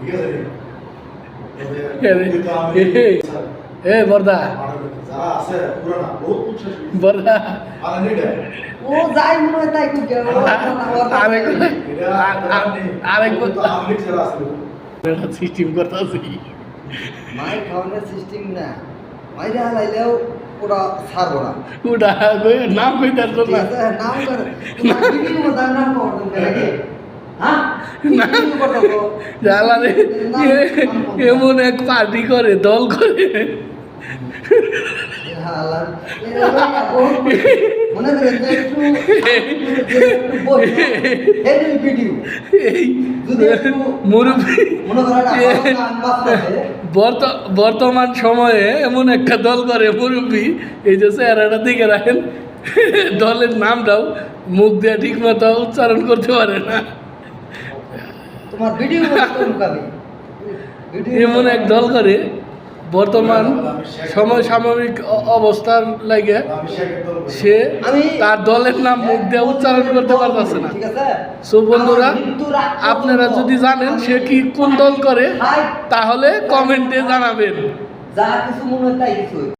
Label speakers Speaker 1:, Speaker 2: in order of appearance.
Speaker 1: এ বর্দা বর্দা
Speaker 2: ও যাই মনে হয় তাই খুব
Speaker 1: আরেক সিস্টেম করতেছি
Speaker 2: মাই খাওয়ানোর সিস্টেম না মাইরে হালাইলেও ওরা ছাড়বো না
Speaker 1: ওটা নাম কইতার জন্য
Speaker 2: নাম করে ভিডিও মতো নাম করতে নাকি হ্যাঁ
Speaker 1: জ্বালারে এমন এক পার্টি করে দল করে
Speaker 2: মনে করেন যে একটু ভিডিও
Speaker 1: বর্তমান সময়ে এমন একটা দল করে মুরব্বী এই যে চেহারাটা দিকে রাখেন দলের নামটাও মুখ দিয়ে ঠিক মতো উচ্চারণ করতে পারে না
Speaker 2: তোমার ভিডিও
Speaker 1: এমন এক দল করে বর্তমান সময় সাময়িক অবস্থার লাগে সে তার দলের নাম মুখ দিয়ে উচ্চারণ করতে পারতেছে না। সো বন্ধুরা, আপনারা যদি জানেন সে কি কোন দল করে তাহলে কমেন্টে জানাবেন।
Speaker 2: যা কিছু মনে হয় তাই কিছু